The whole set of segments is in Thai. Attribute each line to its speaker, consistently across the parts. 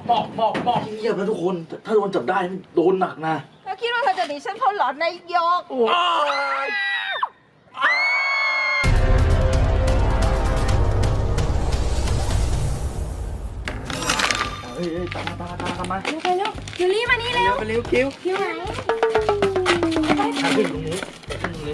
Speaker 1: บอกเงียบแล้วทุกคนถ้าโดนจับได้โดนหนักนะ
Speaker 2: เธอคิดว่าเธอจะหนีฉันพ้นหรอนายยก
Speaker 1: เฮ้ยตามมา
Speaker 2: เร็วไปเร็วยูรี่มานี่เร็ว
Speaker 1: ไปเร็วคิว
Speaker 2: อยู่ไหน
Speaker 1: ขึ้นตรงนี้ขึ้นตรงนี้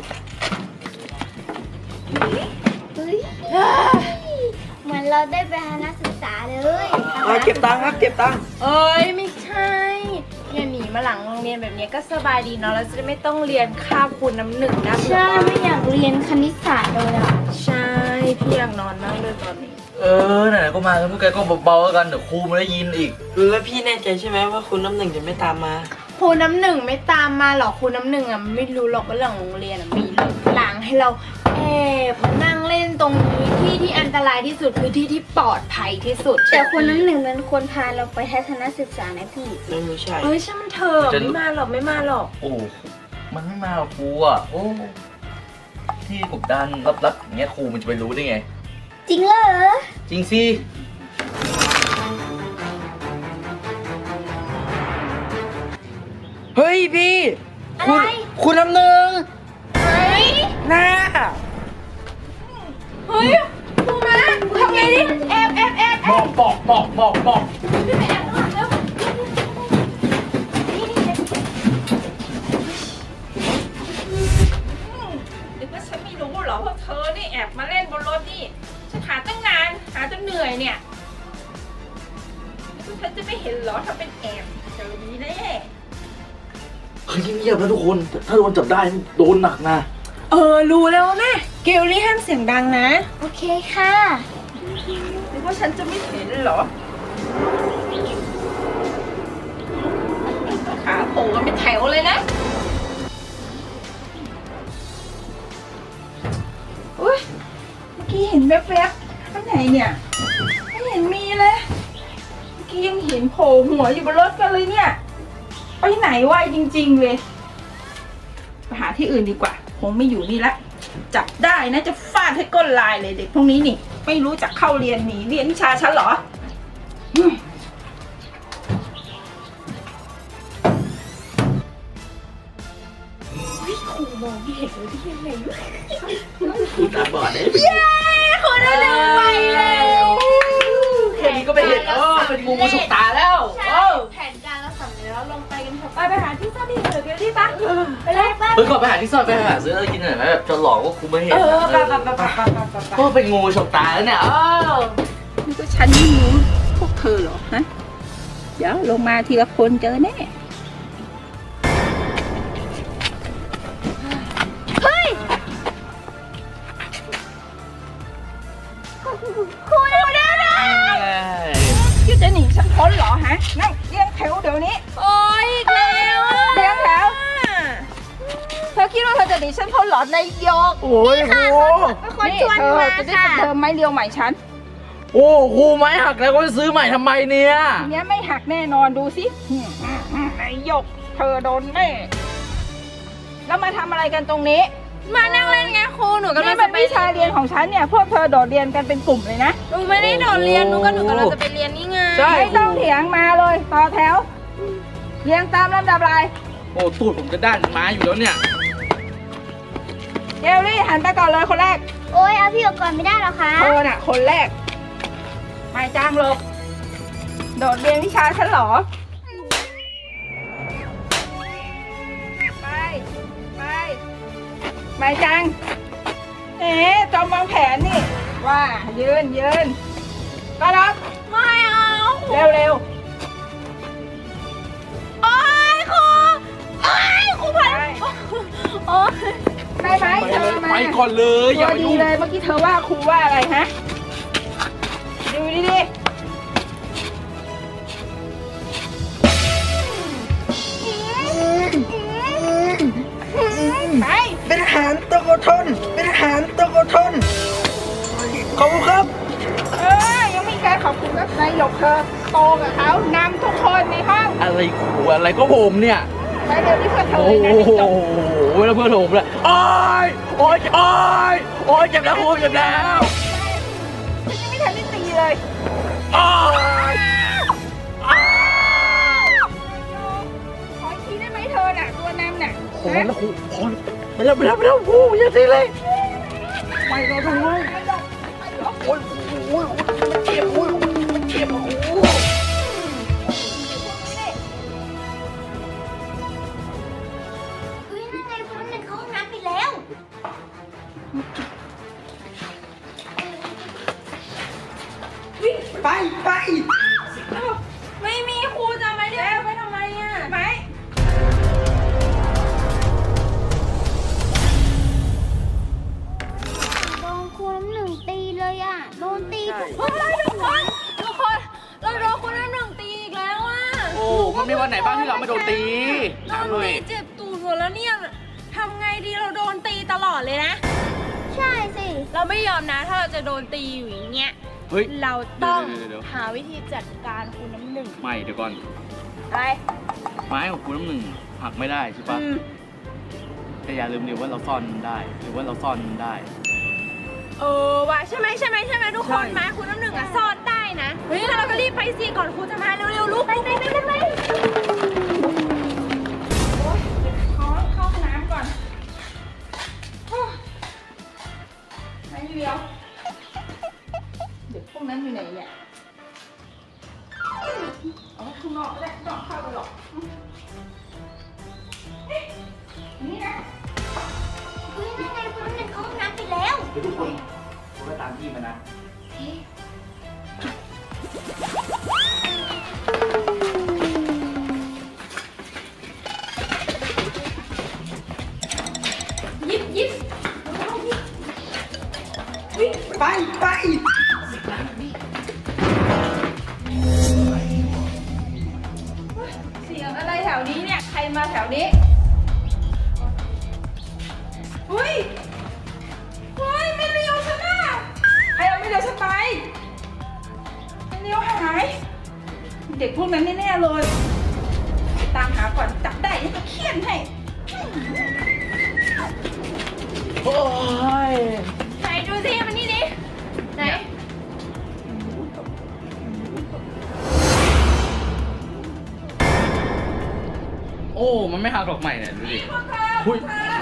Speaker 3: เฮ้ยเหมือนเราได้ไปนักศึกษาเลย
Speaker 1: เก็บตังค์ครับเก็บตังค์
Speaker 2: เอ้ยไม่ใช่เนี่ยหนีมาหลังโรงเรียนแบบนี้ก็สบายดีเนาะเราจะได้ไม่ต้องเรียนคาบคูณน้ำหนึ่งนะ
Speaker 3: ใช่ไม่อยากเรียนคณิตศาสตร์เลยอ่ะ
Speaker 2: ใช่พี่อยากนอนนั่งเลยตอนนี้
Speaker 1: ไหนๆก็มากันพวกแกก็เบาๆกันเดี๋ยวครูไม่ได้ยินอีก
Speaker 4: แล้วพี่แน่ใจใช่ไหมว่าคุณน้ำหนึ่งจะไม่ตามมา
Speaker 2: ครูน้ำหนึ่งไม่ตามมาหรอกครูน้ำหนึ่งอ่ะไม่รู้หรอกว่าหลังโรงเรียนมีหลังให้เราแอบมานั่งเล่นตรงนี้ที่อันตรายที่สุดคือที่ปลอดภัยที่สุด
Speaker 3: แต่คนนั้นหนึ่งเป็นคนพาเราไปทัศนศึกษานะพี่
Speaker 4: ไม่ใช่
Speaker 2: เอ้ยช่างมันเถอะไม่มาหรอกไม่มาหรอก
Speaker 1: โอ้มันไม่มาหรอกครูอ่ะโอ้ที่กบดันรับอย่างเงี้ยครูมันจะไปรู้ได้ไง
Speaker 3: จริงเหรอ
Speaker 1: จริงสิ
Speaker 4: เฮ้ยพี่
Speaker 3: อะไร
Speaker 4: คุณน้ำหนึ่ง
Speaker 2: เฮ้ย
Speaker 4: น่า
Speaker 2: เฮ้ยครูมาทำไงดิแอบ
Speaker 1: บอก
Speaker 2: ขึ้นไปแอบข้างหลังเร็วนึกว่าฉันไม่รู้เหรอพวกเธอนี่แอบมาเล่นบนรถนี่ฉันหาตั้งนานหาจนเหนื่อยเนี่ยพวกเธอจะไม่เห็นเหรอถ้าเป็นแอบเจอดีแน่
Speaker 1: เฮ้ยเงียบแล้วทุกคนถ้าโดนจับได้โดนหนักนะ
Speaker 2: รู้แล้วแม่เกลลี่ห้ามเสียงดังนะ
Speaker 3: โอเคค่ะ
Speaker 2: นึกว่าฉันจะไม่เห็นเหรอขาโผล่กันเป็นแถวเลยนะอุ้ยเมื่อกี้เห็นแวบๆข้างไหนเนี่ยไม่เห็นมีเลยเมื่อกี้ยังเห็นโผล่หัวอยู่บนรถกันเลยเนี่ยไปไหนวะจริงๆเลยไปหาที่อื่นดีกว่าคงไม่อยู่นี่ละจับได้นะจะฟาดให้ก้นลายเลยเด็กพวกนี้นี่ไม่รู้จักเข้าเรียนหนีเรียนวิชาฉันเหรอครูมองไม่เห็นเลยที่ยังไงอยู่
Speaker 1: ครูตาบอดได้
Speaker 2: เย้คนละหนึ่งไปแล้ว
Speaker 1: แค่นี้ก็ไม่เห็นเป็นงูฉกตาแล้ว
Speaker 2: แผนการเราสำเร็จแล้วลงไปกันเถอะไปหาที่ซ่อนที่เหลือกันที่ปะไปเลยไป
Speaker 1: เฮ้ยก่อนไปหาที่ซ่อนไปหาซื้ออะไรกินหน่อยไหมแบบจะหลอกว่าครูไม่เห็น
Speaker 2: ไป
Speaker 1: ก็เป็นงูฉกตาแล้วเนี่ย
Speaker 2: นี่ก็ฉันไม่รู้พวกเธอเหรอฮะเดี๋ยวลงมาทีละคนเจอแน่
Speaker 3: เฮ้ยครูนะ
Speaker 2: คิดจะหนีฉันพ้นเหรอฮะนั่งเรียงแถวเดี๋ยวนี้โอ้ยอีกแล้วเรียงแถวเธอคิดว่าเธอจะหนีฉันพ้นเหรอนายยก
Speaker 1: โอ้ยครู
Speaker 3: เป็นคนชวนมา
Speaker 2: จะได้
Speaker 3: ค่ะ
Speaker 2: เติมไม้เรียวใหม่ฉัน
Speaker 1: โอ้ครูไม้หักแล้วก็จะซื้อใหม่ทำไมเนี่ย
Speaker 2: ทีเนี้ยไม่หักแน่นอนดูสินายยกเธอโดนแน่แล้วมาทำอะไรกันตรงนี้มานั่งเล่นไงครูหนูกำลังจะไปวิชาเรียนของฉันเนี่ยพวกเธอโดดเรียนกันเป็นกลุ่มเลยนะหนูไม่ได้โดดเรียนหนูกำลังจะไปเรียนนี่ไงไม่ต้องเถียงมาเลยต่อแถวเรียงตามลำดับอะไร
Speaker 1: โอ้ตูดผมจะด้านไม้อยู่แล้วเนี่ย
Speaker 2: เกลลี่หันไปก่อนเลยคนแรก
Speaker 3: โอ้ยเอาพี่ออกก่อนไม่ได้หรอคะ
Speaker 2: เธอน่ะคนแรกไม่จ้างหลบโดดเรียนวิชาฉันเหรอไปไม่จังจอมวางแผนนี่ว่ายืนก็รับไม่เอาเร็วโอ้ยครูพันโอ้ยได้ไหมเธอมา
Speaker 1: ไปก่อนเลยอย่า
Speaker 2: ตัว
Speaker 1: ไป
Speaker 2: ดี
Speaker 1: ยุ่ง
Speaker 2: เลยเมื่อกี้เธอว่าครูว่าอะไรฮะดูดิไป
Speaker 4: เป็นทหารตะโกทนเป็นทหารตะโกทนขอบคุณครับ
Speaker 2: ยังมีการขอบคุณกับนายหยกเธอโตกับเขานำทุกคนในห้อง
Speaker 1: อะไรครูอะไรก็ผมเนี่ย
Speaker 2: ไปเร็วที่เพื่อนเธอ
Speaker 1: โอ้
Speaker 2: เลยนะ
Speaker 1: โห
Speaker 2: จบ
Speaker 1: แล้วเพื่อนผมเลยโอ้ยเจ็บแล้วครูเจ็บแล้ว
Speaker 2: ฉันยังไม่ทันได้ตีเลย
Speaker 1: โอ้ยแล้วครูพอ
Speaker 4: ไปแล้วครูอย่าตีเลยไปเราทำไมโอ้ยเจ็บโอ้ยเจ็บโอ้ย
Speaker 3: เฮ้ยนั่นไงคนนั้นเขาห้องน้ำไปแล้ว
Speaker 4: ไป
Speaker 2: อ้าวไม่มีครูจะมาเรียกไปทำไมอ่ะไหม
Speaker 3: โดนครูน้ำหนึ่งตีเลยอ่ะ โดนตีทุกค
Speaker 2: เฮ้
Speaker 3: น
Speaker 2: ยทุกคน เราโดนคนนั้นหนึ่งตีอีกแล้วอ่ะ
Speaker 1: โอ้มันมีวันไหนบ้างที่เราไม่โดนตี
Speaker 2: โดนตีเจ็บตูดหมดแล้วเนี่ยทำไงดีเราโดนตีตลอดเลยนะ
Speaker 3: ใช่สิ
Speaker 2: เราไม่ยอมนะถ้าเราจะโดนตีอยู่อย่างเงี้ย
Speaker 1: เฮ้ย
Speaker 2: เราต้อง
Speaker 1: เดี๋ยว
Speaker 2: หาวิธีจัดการคุณน้ำหนึ่ง
Speaker 1: ไม่เดี๋ยวก่อน
Speaker 2: อะไร
Speaker 1: ไม้ของครูน้ำหนึ่งหักไม่ได้ใช่ปะ
Speaker 2: อืม
Speaker 1: แต่อย่าลืมดิว่าเราซ่อนมันได้ หรือว่าเราซ่อนมันได้
Speaker 2: ว่ะใช่ไหมทุกคนมาคุณน้ำหนึ่งอ่ะซ่อนได้นะเฮ้ยเราก็รีบไปสิก่อนครูจะมาเร็วๆลุกไปโอ๊ยเดี๋ยวขอเข้าห้องน้ำก่อนโอ้ยไม่เดียวเด็กพวกนั้นอยู่ไหนเนี่ยเอาไว้ข้างนอกก็ได้ไม่ต้องเข้าไปหรอกเอ๊ะนี่นะ
Speaker 3: เฮ้ยนั่นไงคนนั้นเขาห้องน้ำไปแล้ว
Speaker 1: เดี๋ยวทุกคนก็ตามที่มานะ
Speaker 2: ยิบ
Speaker 4: ไป
Speaker 2: วิ่งเสียงอะไรแถวนี้เนี่ย ใครมาแถวนี้เฮ้ยไม่เลี้ยวฉันน่ะใครเอาไม่เลี้ยวฉันไปไม่เลี้ยวหาย เด็กพวกนั้นแน่ๆเลย ตามหาก่อนจับได้ยังจะเคี่ยนให้
Speaker 1: โอ้ย
Speaker 2: ไหนดูสิมันนี่ดิไหน
Speaker 1: โอ้มันไม่หักหรอกใหม่เนี่ยดูดิ
Speaker 2: พวกเธอ
Speaker 1: หุ้ย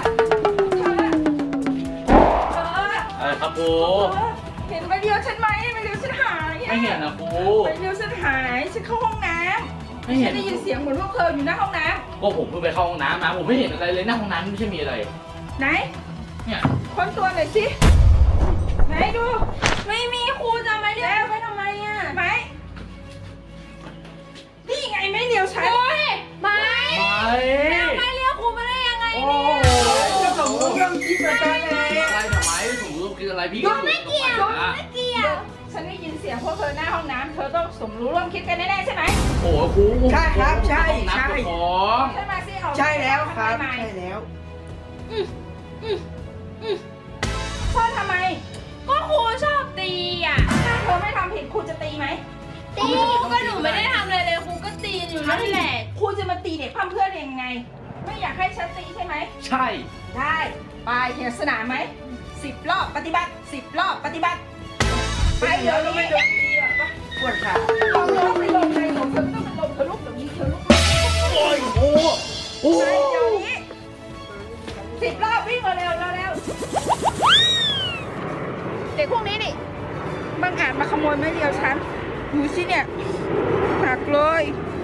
Speaker 1: ครับครู
Speaker 2: เห็นไปเดียวฉันไหมไปเดียวฉันหาย
Speaker 1: ไม่เห็นนะครู
Speaker 2: ไปเดียวฉันหายฉันเข้าห้องน้ำ
Speaker 1: ไม่เห็น
Speaker 2: ฉันได้ยินเสียงเหมือนพวกเธออยู่หน้าห้องน้
Speaker 1: ก็ผมเพิ่งไปเข้าห้องน้ำมาผมไม่เห็นอะไรเลยหน้าห้องน้ำไม่ใช่มีอะไร
Speaker 2: ำไหน
Speaker 1: เนี่ย
Speaker 2: ค้นตัวหน่อยสิไหนดู ไม่มีครูจะมาเรียกไปทำไมอ่ะไหมนี่ไงไม่เดียวฉันไม่ ไม่เรียกครูมาได้ยังไง
Speaker 1: โอ้
Speaker 2: เนี่ย
Speaker 4: จะสมมติเรื่องที่ประการอะไร
Speaker 1: อะไรทำไมผมรู้กินอะไรพี่ก็ไม่เกี่ยว
Speaker 3: ไม่เกี่ยว
Speaker 2: ฉันได้ยินเสียงพวกเธอหน้าห้องน้ำเธอต้องสมรู้ร่วมคิดกันแน่ๆใช่ไหม
Speaker 1: โอ้ครู
Speaker 4: ใช่ครับใช่
Speaker 1: นับ
Speaker 4: ใช่
Speaker 1: ของ
Speaker 2: ใช่ไหมสิเอา
Speaker 4: ใช่แล้วครับ
Speaker 2: ทำไม
Speaker 4: ใช่แล้ว
Speaker 2: ซ่อนทำไม ก็ครูชอบตีอ่ะ ถ้าเธอไม่ทำผิดครูจะตีไหม
Speaker 3: ตี
Speaker 2: ก็หนูไม่ได้ทำอะไรเลยครูก็ตีอยู่นั่นแหละครูจะมาตีเด็กเพื่อนยังไง ไม่อยากให้ฉันตีใช่ไหม
Speaker 1: ใช่
Speaker 2: ได้ไปเห็นสนามไหม10 รอบปฏิบัติ10 รอบปฏิบัติไปเดี๋ยวนี้
Speaker 4: ปวดขา
Speaker 2: ลงไปลงไปลงเธอต้องไปลงเธอลุกเดี๋ยวนี้เธอลุก
Speaker 1: โอ้ยโอ้โอ้
Speaker 2: ไปเดี๋ยวนี้10 รอบวิ่งเร็วเด็กพวกนี้นี่บังอาจมาขโมยไม้เดียวฉันดูสิเนี่ยหักเลย